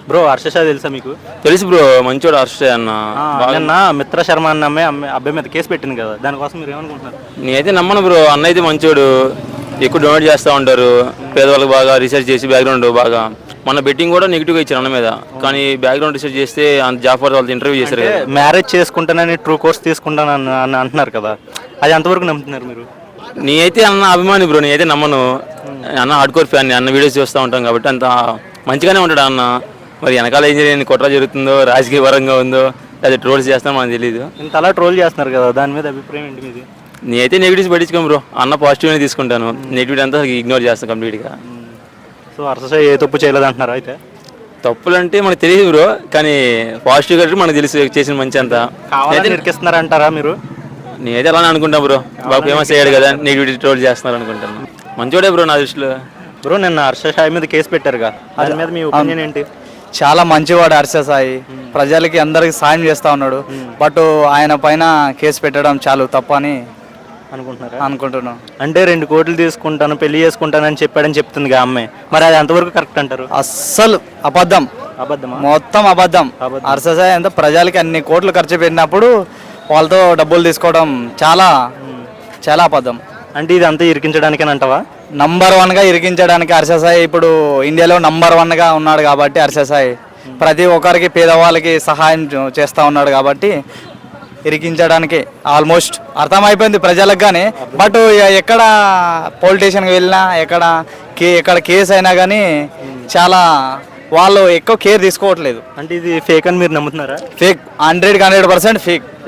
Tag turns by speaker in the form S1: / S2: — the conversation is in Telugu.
S1: బ్రో హర్ష తెలుసా మీకు?
S2: తెలుసు బ్రో, మంచోడు హర్ష అన్న.
S1: నిన్న మిత్ర శర్మ అన్న అబ్బాయి మీద కేసు పెట్టింది కదా, దానికోసం మీరు ఏమనుకుంటున్నారు?
S2: నేనైతే నమ్మను బ్రో, అన్న అయితే మంచోడు, ఎక్కువ డొనేట్ చేస్తూ ఉంటారు పేదవాళ్ళకి, బాగా రీసెర్చ్ చేసి బ్యాక్గ్రౌండ్ బాగా. మన బెట్టింగ్ కూడా నెగిటివ్గా ఇచ్చారు అన్న మీద, కానీ బ్యాక్గ్రౌండ్ రీసెర్చ్ చేస్తే జాఫర్ వాళ్ళతో ఇంటర్వ్యూ చేశారు కదా.
S1: మ్యారేజ్ చేసుకుంటానని ట్రూ కోర్స్ తీసుకుంటాను అని అంటున్నారు కదా, అది ఎంతవరకు నమ్ముతున్నారు మీరు?
S2: నేనైతే అన్న అభిమాని బ్రో, నేనైతే నమ్మను. అన్న హార్డ్కోర్ ఫ్యాన్, అన్న వీడియోస్ చూస్తూ ఉంటాం కాబట్టి అంత మంచిగానే ఉంటాడు అన్న. మరి వెనకాల ఏం జరిగింది, కుట్ర జరుగుతుందో, రాజకీయ పరంగా ఉందో, అది ట్రోల్స్ చేస్తామో మనకు తెలియదు.
S1: ఇంత అలా ట్రోల్ చేస్తున్నారు కదా, దాని మీద అభిప్రాయం ఏంటి మీది?
S2: నేనైతే నెగిటివ్స్ పట్టించుకోను బ్రో, అన్న పాజిటివ్గానే తీసుకుంటాను, నెగిటివ్ అంతా ఇగ్నోర్ చేస్తాను కంప్లీట్గా.
S1: సో హర్ష ఏ తప్పు చేయలేదు అంటున్నారు అయితే?
S2: తప్పులు అంటే మనకు తెలియదు బ్రో, కానీ పాజిటివ్గా మనకు తెలుసు చేసిన మంచి అంతా.
S1: నిరికిస్తున్నారంటారా మీరు?
S2: నేనైతే అలానే అనుకుంటాను బ్రో, బాగా ఫేమస్ అయ్యాడు కదా, నెగిటివిటీ ట్రోల్ చేస్తున్నారు అనుకుంటాను. మంచోడే బ్రో నా దృష్టిలో.
S1: బ్రో నిన్న హర్ష సాయి మీద కేసు పెట్టారుగా, దాని మీద మీ ఒపీనియన్ ఏంటి?
S3: చాలా మంచివాడు హర్ష సాయి, ప్రజలకి అందరికి సాయం చేస్తూ ఉన్నాడు. బట్ ఆయన పైన కేసు పెట్టడం చాలా తప్పు అని అనుకుంటున్నాను.
S1: అంటే 2 కోట్లు తీసుకుంటాను, పెళ్లి చేసుకుంటానని చెప్పాడని చెప్తుంది ఆ అమ్మాయి, మరి అది ఎంతవరకు కరెక్ట్ అంటారు?
S3: అస్సలు అబద్ధం, మొత్తం అబద్ధం. హర్ష సాయి అంతా ప్రజలకి అన్ని కోట్లు ఖర్చు పెట్టినప్పుడు వాళ్ళతో డబ్బులు తీసుకోవడం చాలా చాలా అబద్ధం.
S1: అంటే ఇది అంతా ఇరికించడానికేనంటావా?
S3: నంబర్ 1గా ఇరికించడానికి హర్ష సాయి ఇప్పుడు ఇండియాలో నంబర్ 1గా ఉన్నాడు కాబట్టి, హర్ష సాయి ప్రతి ఒక్కరికి పేదవాళ్ళకి సహాయం చేస్తూ ఉన్నాడు కాబట్టి ఇరికించడానికి ఆల్మోస్ట్ అర్థమైపోయింది ప్రజలకు. కానీ బట్ ఎక్కడ పొలిటీషియన్కి వెళ్ళినా, ఎక్కడ కేసు అయినా కానీ చాలా వాళ్ళు ఎక్కువ కేర్ తీసుకోవట్లేదు.
S1: అంటే ఇది ఫేక్ అని మీరు నమ్ముతున్నారా?
S3: Fake, 100% fake.